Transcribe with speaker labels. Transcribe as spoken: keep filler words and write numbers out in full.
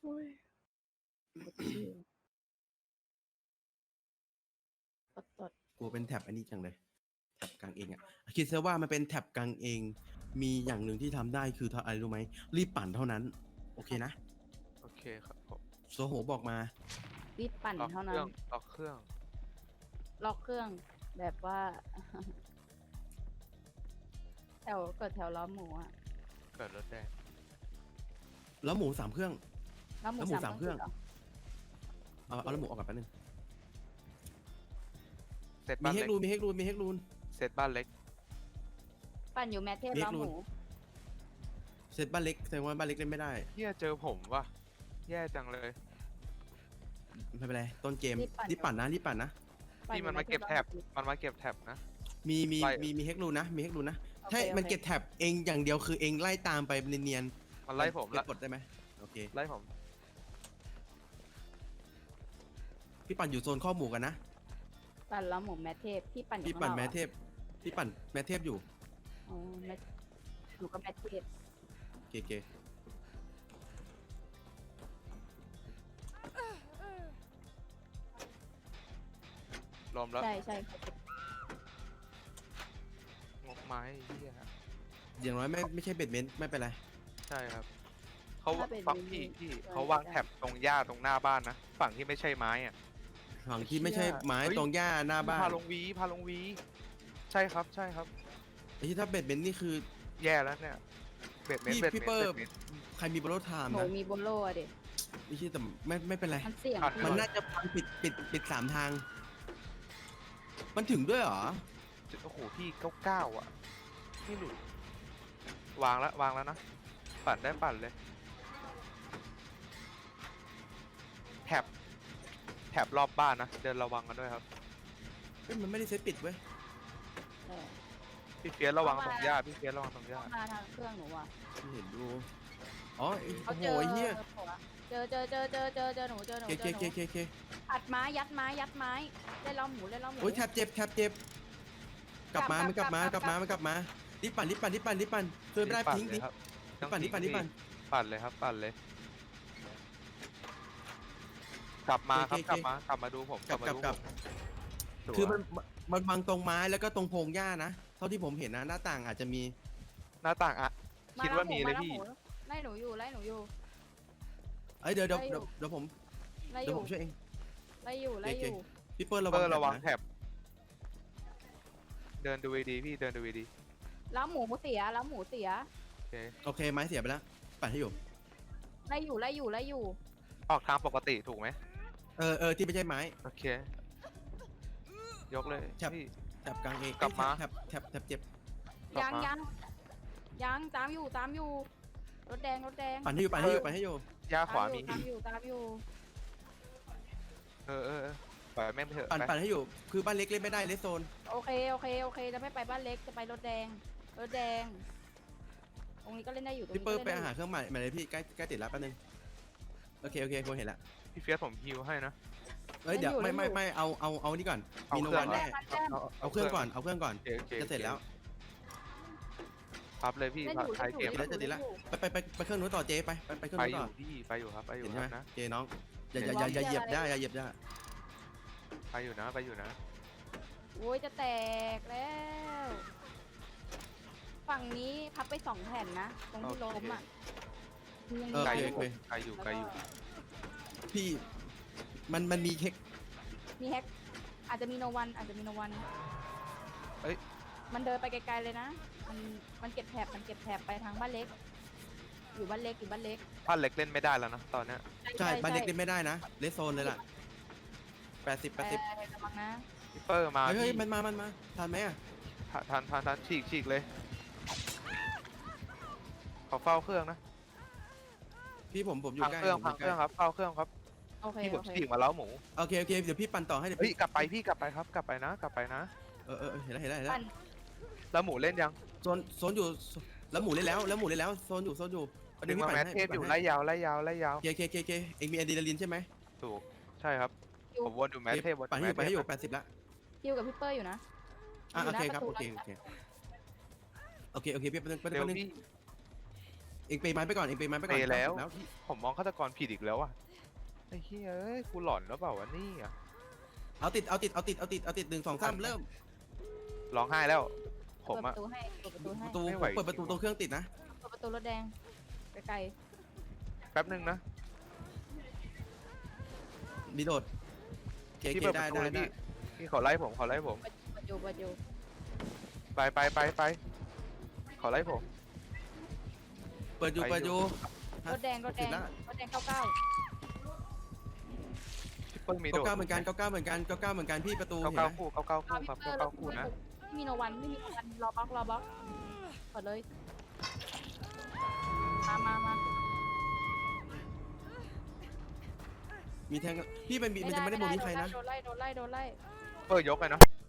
Speaker 1: โอ้ยกดชื่อตดตด
Speaker 2: กลัวเป็นแท็บอันนี้จังเลยแท็บกลางเองอ่ะคิดซะว่ามันเป็นแท็บกลางเอง มีอย่างหนึ่งที่ทำได้คืออะไรรู้ไหมรีบปั่นเท่านั้น โอเคนะ
Speaker 3: โอเคครับผม
Speaker 2: โซโหบอกมา
Speaker 1: รีบปั่น
Speaker 3: ล็อก
Speaker 1: เท่า
Speaker 3: เค
Speaker 1: นั้
Speaker 3: รื่
Speaker 1: น
Speaker 3: องล็อกเครื่อง
Speaker 1: ล็อกเครื่องแบบว่า แถวเกิดแถวล้อมหมูอะ
Speaker 3: เกิดรถแดง
Speaker 2: แล้วหมูสามเครื่อง
Speaker 1: ล้อมหมู
Speaker 2: แล้วหมู
Speaker 1: สาม
Speaker 2: สามเครื่อง
Speaker 1: หรอ
Speaker 2: เอาเอาแล้วหมูออกกันแป๊บนึง
Speaker 3: เซต
Speaker 2: มี
Speaker 3: บ้าน
Speaker 2: เฮ
Speaker 3: เล็
Speaker 2: ก
Speaker 3: ก
Speaker 2: รูนมีเฮกรูนมีเฮกรูน
Speaker 3: เซตบ้านเล็ก
Speaker 1: ปั่นอยู่แมทเทพ
Speaker 2: เรียก
Speaker 1: ล้อมหมู
Speaker 2: รูน เซตบ้านเล็กแสดงว่าบ้านเล็กเล่นไม่ได้
Speaker 3: เฮียเจอผมว่ะแย่จังเลย
Speaker 2: ไม่เป็นไรต้นเกมรีบปั่นนะรีบปั่นนะ
Speaker 1: ปั่
Speaker 3: ที่มัน
Speaker 1: อยู่
Speaker 3: มาเก็บ
Speaker 1: ทพ
Speaker 3: แท็บ
Speaker 1: ล้อห
Speaker 3: มันมาเก็บแท็บนะ
Speaker 2: มีมี
Speaker 3: ไล่
Speaker 2: มีมีเฮกรูนนะมีเฮกรูนนะ
Speaker 1: โอเค
Speaker 2: ใช่
Speaker 1: โอเค
Speaker 2: มันเก็บแท็บเองอย่างเดียวคือเองไล่ตามไปเนียน
Speaker 3: มัน
Speaker 2: ๆ
Speaker 3: ไล่ผม
Speaker 2: เก็
Speaker 3: ละ
Speaker 2: บกดได้ไหมโอเค
Speaker 3: ไล่ผม
Speaker 2: พี่ปั่นอยู่โซนข้อหมูกันนะ
Speaker 1: ปั่นล้อมหมูแมทเทพพี่ปั่นอยู่
Speaker 2: พี่ปั่น
Speaker 1: ข้าง
Speaker 2: แม
Speaker 1: อก
Speaker 2: ทเทพพี่ปั่นแมทเทพอยู่
Speaker 1: อ๋อแมทอยู่กับแมทเทพ
Speaker 2: โอเคโอเค
Speaker 3: รวมแล้ว
Speaker 1: ใช่ใช่เขาเก็บ
Speaker 3: งกไม้เฮีย
Speaker 2: อย่างน้อยไม่ไม่ใช่เบ็ดเมนต์ไม่เป็นไร
Speaker 3: ใช่ครับเขา
Speaker 1: ถ้าเป็น
Speaker 3: ฝั่งพี่พี่
Speaker 1: ใช่
Speaker 3: เขาวางแท็บตรงหญ้าตรงหน้าบ้านนะฝั่งที่ไม่ใช่ไม้อะ
Speaker 2: ฝั่งที่ไม่ใช่ไม้
Speaker 3: เฮ้ย
Speaker 2: ตรงหญ้าหน้าบ้าน
Speaker 3: พาลงวีพาลงวี ใช่ครับใช่ครับ
Speaker 2: ไอ้ที่ถ้าเบ็ดเมนต์นี่คือ
Speaker 3: แย่แล้วเนี่ยเบ็ดเมน
Speaker 2: พี่
Speaker 3: เบ็ด
Speaker 2: พี่
Speaker 3: เมน
Speaker 2: เปิ้ล
Speaker 3: เบ็ดเมน
Speaker 2: ใครมีบอลโลไทม์
Speaker 1: หมู
Speaker 2: นะ
Speaker 1: มีโบโลอะเด็ก
Speaker 2: ไม่ใช่แต่ไม่ไม่เป็นไร
Speaker 1: มันเสี่ยง
Speaker 3: ขาด
Speaker 1: พี่
Speaker 2: มันน่าจะพังปิดปิดปิดสามทาง มันถึงด้วยเหรอ
Speaker 3: โอ้โหพี่เก้าเก้าอ่ะไม่หลุดวางแล้ววางแล้วนะปั่นได้ปั่นเลยแท็บแท็บรอบบ้านนะเดินระวังกันด้วยครับ
Speaker 2: เฮ้ยมันไม่ได้เซตปิดเว้ย
Speaker 1: เออ
Speaker 3: พี่เฟียสระวังตรงหญ้าพี่เฟียสระวังตรงหญ้า
Speaker 1: เข้ามาทางเครื่องหนูอ่ะ
Speaker 2: ไม่เห็นดู อ๋อไอ้
Speaker 1: เขา
Speaker 2: โอ้โห
Speaker 1: เจอ
Speaker 2: ไอ้เหี้ย
Speaker 1: เจอเจอเจอเจอเจอเจอหนูเจอหนู
Speaker 2: เค
Speaker 1: เจ
Speaker 2: เค
Speaker 1: อห
Speaker 2: เค
Speaker 1: นู
Speaker 2: เคเค
Speaker 1: อัดไม้ยัดไม้ยัดไม้เล่นล้อมหมูเล่นล้อมหมู
Speaker 2: โอ้ยแทบเจ็บแทบเจ็บ กลับมา
Speaker 1: กลับ
Speaker 2: มันกลับมาก
Speaker 1: กลั
Speaker 2: ลับบ มามันกลับมารีบปั่นรีบปั่นรีบปั่นรีบปั่นช่วยไม่ได้
Speaker 3: ปั่น
Speaker 2: ทิ้ง
Speaker 3: เล
Speaker 2: ทิ้
Speaker 3: ย
Speaker 2: ง
Speaker 3: ครับ
Speaker 2: รีบปั่นรีบปั่นรีบปั่น
Speaker 3: ปั่นเลยครับปั่นเลย กลับมาครับ
Speaker 2: โอเค
Speaker 3: กลับมากลับมาดูผม
Speaker 2: กลับ
Speaker 3: มาก
Speaker 2: ลับ
Speaker 3: ดู
Speaker 2: กลับ
Speaker 3: ผม
Speaker 2: คือมันมันบังตรงไม้แล้วก็ตรงโพรงหญ้านะ เท่าที่ผมเห็นนะหน้าต่างอาจจะมี
Speaker 3: หน้าต่างอะคิดว่ามีเลย
Speaker 1: แว
Speaker 3: พี่
Speaker 1: หมูไล่หนูอยู่ไล่หนูอยู่
Speaker 2: เอ้ยเดี๋ยวเดี๋ยว
Speaker 1: ได้อยู่
Speaker 2: เดี๋ยวเดี๋ยวผม
Speaker 1: ไล่อ
Speaker 2: เดี๋ยว
Speaker 1: ยู่
Speaker 2: ผมช่วยเอง
Speaker 1: ไล่อยู่ไล่อยู่
Speaker 2: พี่เปิ้ลระวั
Speaker 3: เปิ
Speaker 2: ง
Speaker 3: ดระวัง
Speaker 2: แถบนะ
Speaker 3: แท็บเดินดูดีๆพี่เดินดูดี
Speaker 1: แล้วหมูเสียแล้วหมูเสีย
Speaker 3: ๆโอเค
Speaker 2: โอเคไม้เสียไปแล้วปั่นให้อยู่
Speaker 1: ไล่อยู่ไล่อยู่ไล่อยู่
Speaker 3: ออกทางปกติถูกไหม
Speaker 2: เออเออที่ไม่ใช่ไม้
Speaker 3: โอเค ยกเลย
Speaker 2: ครับ
Speaker 3: พี่
Speaker 2: แถบกลางเอง
Speaker 3: กลับมา
Speaker 2: แถบแถบแถบเจ็บ
Speaker 3: กลับ
Speaker 1: ยัง
Speaker 3: มา
Speaker 1: ยังยังตามอยู่ตามอยู่รถแดงรถแดง
Speaker 2: ปั่นให้อยู่ปั่นให้อยู่ปั่นให้อยู่
Speaker 3: ย่าขวามี
Speaker 1: ตามอยู่ตามอยู่
Speaker 3: เออเออเออปล่อยแม่งไปเถอะ
Speaker 2: ปั่น
Speaker 3: ไป
Speaker 2: ปั่นให้อยู่ คือบ้านเล็กเล่นไม่ได้เลสโซน
Speaker 1: โอเคโอเคโอเคจะไม่ไปบ้านเล็กจะไปรถแดงรถแดงตรงนี้ก็เล่นได้อยู่ตรง
Speaker 2: พี่
Speaker 1: นี้
Speaker 2: เปิ้ล
Speaker 1: ก็
Speaker 2: ไป
Speaker 1: เล่นได้
Speaker 2: หาเครื่องใหม่ใหม่เลยพี่ใกล้ใกล้ติดแล้วแป๊บนึงโอเคโอเคผมเห็นละ
Speaker 3: พี่เฟียสผมฮิวให้นะ
Speaker 2: เอ้ยเดี๋ยวไม่ไม่ไม่เอาเอาเอานี่ก่อน
Speaker 3: เอา
Speaker 2: มีโน
Speaker 3: เครื่
Speaker 2: วั
Speaker 3: อง
Speaker 2: นแน่
Speaker 3: เอา
Speaker 2: เอาเครื่องก่อนเอาเครื่องก่อน
Speaker 3: โอเคโอเค
Speaker 2: จะเสร็จแล้ว
Speaker 3: พับเลยพี่
Speaker 1: เล่น
Speaker 3: พับ
Speaker 1: อยู่
Speaker 3: ท้ายเกม
Speaker 1: เล่น
Speaker 2: จะ
Speaker 1: อยู่
Speaker 2: ติดละ
Speaker 1: เนอยู่
Speaker 2: ไปไปไปไปเครื่องนู้นต่อเจ๊ไปไปไปเครื่อง
Speaker 3: ไป
Speaker 2: นู้น
Speaker 3: อ
Speaker 2: ต่
Speaker 3: ยู่
Speaker 2: อ
Speaker 3: พี่ไปอยู่ครับไปอยู่
Speaker 2: เห็น
Speaker 3: ค
Speaker 2: ใช่
Speaker 3: รั
Speaker 2: ไหม
Speaker 3: บนะ
Speaker 2: เจ๊น้องอย่าอย่าอย่าอย่าเหยียบได้อย่าเหยียบได้
Speaker 3: ไปอยู่นะไปอยู่นะ
Speaker 1: โอ้ยจะแตกแล้ว ฝั่งนี้พับไปสองแผ่นนะตรงที่ล้มอ่ะยัง
Speaker 2: เออ
Speaker 3: ไกล
Speaker 2: โอ
Speaker 3: อ
Speaker 2: เค
Speaker 3: ยู่
Speaker 2: โอเค
Speaker 3: ไกลอยู่ไกลอยู่
Speaker 2: พี่มันมันมีเทค
Speaker 1: มีแฮกอาจจะมีโนวันอาจจะมีโนวัน
Speaker 3: เอ้ย
Speaker 1: มันเดินไปไกลๆเลยนะมันมันเก็บแถบมันเก็บแถบไปทางบ้านเล็ก อยู่บ้านเล็กอยู่บ้านเล็ก
Speaker 3: บ้านเล็กเล่นไม่ได้แล้วนะตอนเนี้ย
Speaker 2: ใช่บ้านเล็กเล่นไม่ได้นะเลสโซนเลยล่ะแปดสิบแปดสิบ
Speaker 1: เออระวังนะ
Speaker 3: พี่เปอร์มา
Speaker 2: เฮ้ยเฮ้ย
Speaker 3: พี่
Speaker 2: มันมามันมาทันไหมอ่ะ
Speaker 3: ทันทันทันฉีกฉีกเลยขอเฝ้าเครื่องนะ
Speaker 2: พี่ผมผมอยู่
Speaker 3: พัง
Speaker 2: ใกล้
Speaker 3: เครื่อง
Speaker 2: ผม
Speaker 3: พัง
Speaker 2: ยู่
Speaker 3: เครื่องครับเฝ้าเครื่องครับ
Speaker 1: โอเค
Speaker 3: พี่ผ
Speaker 1: โอ
Speaker 3: ม
Speaker 1: เค
Speaker 3: ฉีกมาแล้วหมู
Speaker 2: โอเคโอเคเดี๋ยวพี่ปั่นต่อให้เดี๋ยว
Speaker 3: เฮ้ย
Speaker 2: พี่
Speaker 3: กลับไปพี่กลับไปครับกลับไปนะ กลับไปนะ
Speaker 2: เออเออเออเห็นแล้วเห็นแล้วเห็นแล้ว
Speaker 1: ปั่น
Speaker 3: แล้วหมูเล่นยัง
Speaker 2: โซนโซนอยู่แล้วหมูเล่นแล้วแล้วหมูเล่นแล้วโซนอยู่โซนอยู่ประเด็
Speaker 3: ดึ
Speaker 2: น
Speaker 3: ง
Speaker 2: พี่
Speaker 3: มา
Speaker 2: ปั่น
Speaker 3: แมท
Speaker 2: ให้
Speaker 3: เทพอยู่
Speaker 2: ปั่น
Speaker 3: ไล่
Speaker 2: ให้
Speaker 3: ยาวไล่ยาวไล่ยาว
Speaker 2: เคเคเคเคเองมีอะดรีนาลินใช่ไหม
Speaker 3: ถูกใช่ครับผมวนอยู่แมทเทพวน
Speaker 2: ปั่นให้อยู่
Speaker 3: แม
Speaker 2: ปั่น
Speaker 3: ท
Speaker 2: ให้
Speaker 3: เท
Speaker 2: อ
Speaker 3: พ
Speaker 2: ยู่แปดสิบละ
Speaker 1: คิวกับพี่เปอร์อยู่นะ
Speaker 2: อ่ะ
Speaker 1: อยู่
Speaker 2: โอ
Speaker 1: หน้า
Speaker 2: เคครับ
Speaker 1: ประตู
Speaker 2: โอเคโอเคโอเคโอเคพี่แป๊บนึงแป๊บนึง
Speaker 3: เร็ว
Speaker 2: แป๊บนึง
Speaker 3: พี่
Speaker 2: เอองเปย์ไม้ไปก่อนเองเปย์ไม้ไปก่อน
Speaker 3: เปย์แล้ว
Speaker 2: แล้วที่
Speaker 3: ผมมองฆาตกรผิดอีกแล้วอ่ะไอ้เฮ้ยเอ้ยกูหลอนแล้วเปล่าวะนี่อ่ะ
Speaker 2: เอาติดเอาติดเอาติดเอาติดเอาติดหนึ่งสองสามเริ่ม
Speaker 3: ร้องไห้แล้ว ผ
Speaker 1: เปิ
Speaker 3: ม
Speaker 1: ดป
Speaker 3: อะ
Speaker 1: ระตูให้เปิดประตูให้
Speaker 2: ประตู
Speaker 3: ไม่ไหว
Speaker 2: เปิดประตูตัวเครื่องติดนะ
Speaker 1: เปิดประตูรถแดงไกล
Speaker 3: แป๊บนึงนะ
Speaker 2: มีโดดเก
Speaker 3: พี่
Speaker 2: เก
Speaker 3: เปิดป
Speaker 2: ได้
Speaker 3: ระตู
Speaker 2: ได้
Speaker 3: เลย
Speaker 2: ได้
Speaker 3: พี่พี่ขอไล่ผมขอไล่ผม
Speaker 1: ๆเปิดอยู่เปิดอยู่
Speaker 3: ไปไปไปไปขอไล่ผม
Speaker 2: เปิดอยู่
Speaker 3: ไป
Speaker 2: เปิดอยู่
Speaker 1: รถแดงรถแด
Speaker 2: ติ
Speaker 1: ง
Speaker 2: แล้ว
Speaker 1: รถแดงเก้าเก้า
Speaker 3: พี่เปิ้ลมีโด
Speaker 2: เก้า
Speaker 3: ด
Speaker 2: เก้าเหมือนกันเก้าเก้าเหมือนกันเก้าเก้าเหมือนกันพี่ประตู
Speaker 3: เก้า
Speaker 2: เห็น
Speaker 3: เก้า
Speaker 2: ไหม
Speaker 3: คู่เก้าเก้าคู่ครับ
Speaker 1: พี่
Speaker 3: เก้า
Speaker 1: เปิ้ล
Speaker 3: เก้าคู่นะ
Speaker 1: ไม่มีโนวันไม่มีโนวันรอบล็อกรอบล็อกเปิดเลยมามามา
Speaker 2: มีแทงพี่มันมีมันจะไม่ได้โมนี้ใครนะ
Speaker 1: โดนไล่โดนไล่โดนไล่
Speaker 3: เปิ้ลยกเลยเนาะ